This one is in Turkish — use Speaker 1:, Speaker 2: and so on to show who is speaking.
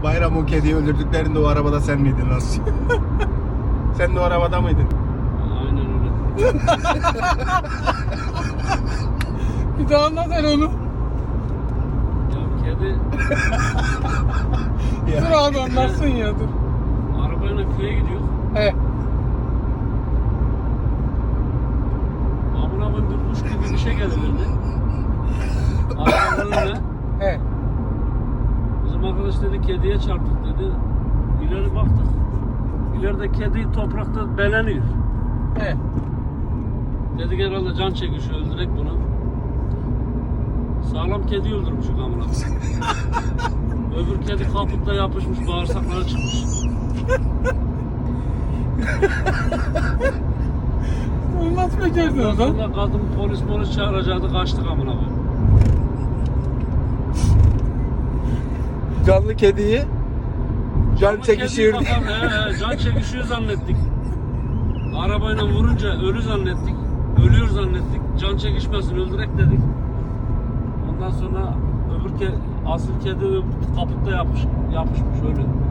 Speaker 1: Bayram o kediyi öldürdüklerinde o arabada sen miydin Nasıl? Sen de o arabada mıydın?
Speaker 2: Aynen öyle.
Speaker 3: Bir daha anlat sen onu.
Speaker 2: Ya kedi
Speaker 3: Dur abi anlatsın ya dur.
Speaker 2: arabayla köye gidiyor.
Speaker 3: He.
Speaker 2: Amına koyayım bir kuş gibi bir şey geliverdi. Arabanın önüne.
Speaker 3: He.
Speaker 2: Bizim arkadaş dedi kediye çarptık dedi. İleri baktık. İleride kedi toprakta beleniyor.
Speaker 3: He.
Speaker 2: Dedik herhalde can çekişiyor öldürek bunu. Sağlam kedi öldürmüşük amına koyayım. Öbür kedi kaputta yapışmış, bağırsakları çıkmış.
Speaker 3: Onu nasıl becerdin o zaman?
Speaker 2: Sonra kadın polis çağıracaktı, kaçtık amına koyayım.
Speaker 1: Canlı kediyi can
Speaker 2: Ama
Speaker 1: çekişiyor
Speaker 2: kediyi
Speaker 1: diye.
Speaker 2: bakalım, can çekişiyor zannettik. Arabayla vurunca ölü zannettik. Ölüyor zannettik. Can çekişmesin öldürek dedik. Ondan sonra asıl kedi kaputta yapışmış ölü.